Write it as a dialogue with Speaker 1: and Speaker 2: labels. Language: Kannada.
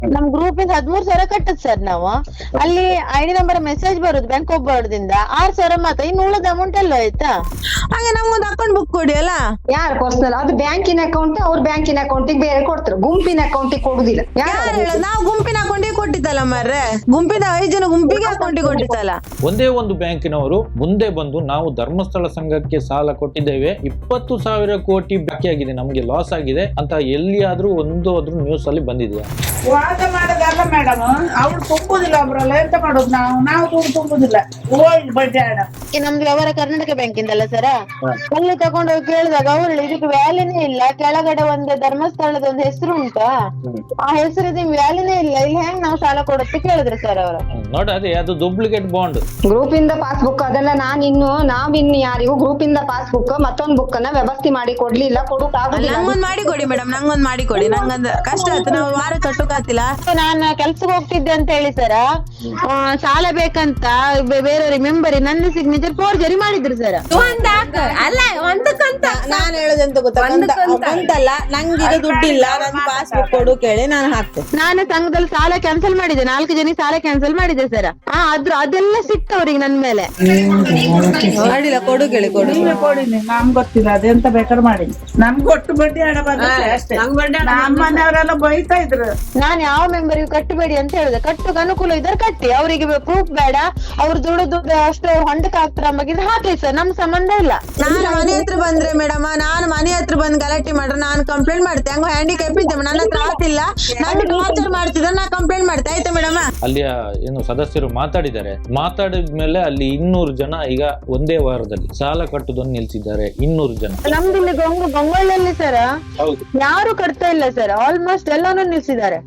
Speaker 1: ನಮ್ ಗ್ರೂಪ್ ಇಂದ 13,000 ಕಟ್ಟದ್ ಸರ್ ನಾವು. ಅಲ್ಲಿ ಐಡಿ ನಂಬರ್ ಮೆಸೇಜ್ ಬರುದು ಬ್ಯಾಂಕ್ ಆಫ್ ಬರೋಡದಿಂದ 6,000 ಮಾತ್ರ, ಇನ್ನು ಉಳಿದ ಅಮೌಂಟ್ ಎಲ್ಲ ಆಯ್ತಾ.
Speaker 2: ಹಾಗೆ ನಮ್ಗೊಂದು ಅಕೌಂಟ್ ಬುಕ್ ಕೊಡಿ ಅಲ್ಲ.
Speaker 3: ಯಾರು ಪರ್ಸನಲ್ ಅದು ಬ್ಯಾಂಕಿನ ಅಕೌಂಟ್, ಅವ್ರ ಬ್ಯಾಂಕಿನ ಅಕೌಂಟಿಗೆ ಬೇರೆ ಕೊಡ್ತಾರೆ, ಗುಂಪಿನ ಅಕೌಂಟಿಗೆ ಕೊಡುದಿಲ್ಲ.
Speaker 2: ಯಾರು ಹೇಳೋದು? ನಾವು ಗುಂಪಿನ ಅಕೌಂಟಿಗೆ ಕೊಟ್ಟಿದ್ದಲ್ಲ ಮಾರ್ರೆ, ಗುಂಪಿನ 5 ಜನ ಗುಂಪಿಗೆ ಅಕೌಂಟಿಗೆ ಕೊಟ್ಟಿದ್ದಲ್ಲ.
Speaker 4: ಒಂದೇ ಒಂದು ಬ್ಯಾಂಕಿನವರು ಮುಂದೆ ಬಂದು ನಾವು ಧರ್ಮಸ್ಥಳ ಸಂಘಕ್ಕೆ ಸಾಲ ಕೊಟ್ಟಿದ್ದೇವೆ, 20,000 ಕೋಟಿ ಬಾಕಿಯಾಗಿದೆ, ನಮ್ಗೆ ಲಾಸ್ ಆಗಿದೆ ಅಂತ ಎಲ್ಲಿಯಾದ್ರೂ ಒಂದು ನ್ಯೂಸ್ ಅಲ್ಲಿ ಬಂದಿದೆಯಾ?
Speaker 5: ವಾದ ಮಾಡೋದಲ್ಲ ಮೇಡಮ್, ಅವ್ರು ತುಂಬುದಿಲ್ಲ ಒಬ್ರಲ್ಲ, ಎಂತ ಮಾಡೋದು ನಾವು ದುಡ್ಡು ತುಂಬುದಿಲ್ಲ, ಹೋಗಿ ಬಡ್ಡಿ ಹಣ.
Speaker 1: ನಮ್ದು ವ್ಯವಹಾರ ಕರ್ನಾಟಕ ಬ್ಯಾಂಕ್ ಇಂದಲ್ಲ ಸರ, ಅಲ್ಲಿ ತಗೊಂಡೋಗಿ ಕೇಳಿದಾಗ ಅವ್ರು ಇದಕ್ಕೆ ವ್ಯಾಲ್ಯೂನೇ ಇಲ್ಲ, ಕೆಳಗಡೆ ಒಂದು ಧರ್ಮಸ್ಥಳದ ಒಂದು ಹೆಸರು ಉಂಟಾ, ಆ ಹೆಸರಿದ ವ್ಯಾಲ್ಯೂನೇ ಇಲ್ಲ, ಇಲ್ಲಿ ಹೆಂಗ್ ನಾವು ಸಾಲ ಕೊಡುತ್ತೆ ಕೇಳಿದ್ರು ಸರ್ ಅವರು.
Speaker 4: ನೋಡದೆ ಅದು ಡೂಪ್ಲಿಕೇಟ್ ಬಾಂಡ್.
Speaker 3: ಗ್ರೂಪ್ ಇಂದ ಪಾಸ್ಬುಕ್ ಅದೆಲ್ಲ ನಾವಿನ್ನು ಯಾರಿಗೂ ಗ್ರೂಪ್ ಇಂದ ಪಾಸ್ಬುಕ್ ಮತ್ತೊಂದು ಬುಕ್ ಅನ್ನ ವ್ಯವಸ್ಥೆ ಮಾಡಿ ಕೊಡ್ಲಿಲ್ಲ, ಕೊಡಕ್ ಆಗುದಿಲ್ಲ.
Speaker 2: ನಂಗೊಂದ್ ಮಾಡಿ ಕೊಡಿ ಮೇಡಮ್, ನಂಗೊಂದ್ ಮಾಡಿ ಕೊಡಿ, ನಂಗೊಂದ್ ಕಷ್ಟ ಆಯ್ತು, ನಾವು ವಾರ ಕಟ್ಟೋಕಾತಿಲ್ಲ.
Speaker 1: ನಾನು ಕೆಲ್ಸಕ್ಕೆ ಹೋಗ್ತಿದ್ದೆ ಅಂತ ಹೇಳಿ ಸರ, ಸಾಲ ಬೇಕಂತ ಬೇರೆ ಮೆಂಬರ್ ನನ್ನ ಸಿಗ್ನೇಚರ್ ಫೋರ್ಜರಿ ಮಾಡಿದ್ರು ಸರ್.
Speaker 2: ನಾನು ಹೇಳೋದೆಂತ ಗೊತ್ತಾ, ಅಂತಲ್ಲ ನಂಗೀಗ ದುಡ್ಡಿಲ್ಲ, ನನ್ ಪಾಸ್ಬುಕ್ ಕೊಡು ಕೇಳಿ ನಾನು ಹಾಕ್ತೆ.
Speaker 1: ನಾನು ಸಂಘದಲ್ಲಿ ಸಾಲ ಕ್ಯಾನ್ಸಲ್ ಮಾಡಿದೆ, 4 ಜನ ಸಾಲ ಕ್ಯಾನ್ಸಲ್ ಮಾಡಿದೆ ಸರ್. ಅದೆಲ್ಲ ಸಿಕ್ತು ಅವ್ರಿಗೆ ನನ್ ಮೇಲೆ.
Speaker 2: ಮಾಡಿಲ್ಲ, ಕೊಡು ಕೇಳಿ, ಕೊಡು.
Speaker 5: ನೀವೇ ಕೊಡಿ, ನಮ್ಗೆ ಗೊತ್ತಿಲ್ಲ ಅದೆಂತ ಬೇಕಾದ್ರೆ ಮಾಡಿ, ನಮ್ಗೆ ಒಟ್ಟು ಬಡ್ಡಿ ಹಣ ಬಂದಿದೆ ಅಷ್ಟೇ. ನಮ್ಮ ಮನೆಯವರೆಲ್ಲ ಬೈತಾ ಇದ್ರು.
Speaker 1: ನಾನ್ ಯಾವ ಮೆಂಬರ್ಗೂ ಕಟ್ಟಬೇಡಿ ಅಂತ ಹೇಳಿದೆ, ಕಟ್ಟುಕ್ ಅನುಕೂಲ ಇದ್ದಾರೆ ಕಟ್ಟಿ, ಅವರಿಗೆ ಪ್ರೂಫ್ ಬೇಡ, ಅವ್ರು ದುಡ್ಡು ಅಷ್ಟು ಹೊಂಡಕ್ ಹಾಕ್ತಾರ ಬಗ್ಗೆ ಹಾಕಿ ಸರ್, ನಮ್ ಸಂಬಂಧ ಇಲ್ಲ.
Speaker 2: ನಾನು ಮನೆ ಹತ್ರ ಬಂದ್ರೆ ಮೇಡಮ್, ನಾನು ಮನೆ ಹತ್ರ ಬಂದ್ ಗಲಾಟೆ ಮಾಡ್ರೆ ನಾನು ಕಂಪ್ಲೇಂಟ್ ಮಾಡ್ತೆ. ಹಂಗ ಹ್ಯಾಂಡಿಕ್ಯಾಪ್ ಇದ್ದೆ, ನನ್ನ ಹತ್ರ ಆತಿಲ್ಲ, ನಂಗೆ ಟಾರ್ಚರ್ ಮಾಡ್ತಿದ್ರೆ ನಾ ಕಂಪ್ಲೇಂಟ್ ಮಾಡ್ತೆ, ಆಯ್ತಾ ಮೇಡಮ್?
Speaker 4: ಅಲ್ಲಿಯ ಏನು ಸದಸ್ಯರು ಮಾತಾಡಿದ್ದಾರೆ, ಮಾತಾಡಿದ್ಮೇಲೆ ಅಲ್ಲಿ 200 ಜನ ಈಗ ಒಂದೇ ವಾರದಲ್ಲಿ ಸಾಲ ಕಟ್ಟುದನ್ನು ನಿಲ್ಸಿದ್ದಾರೆ. 200 ಜನ.
Speaker 1: ನಮ್ದು ಇಲ್ಲಿ ಗಂಗೊಳ್ಳಿಯಲ್ಲಿ ಸರ್ ಯಾರು ಕಟ್ತಾ ಇಲ್ಲ ಸರ್, ಆಲ್ಮೋಸ್ಟ್ ಎಲ್ಲಾನು ನಿಲ್ಸಿದ್ದಾರೆ.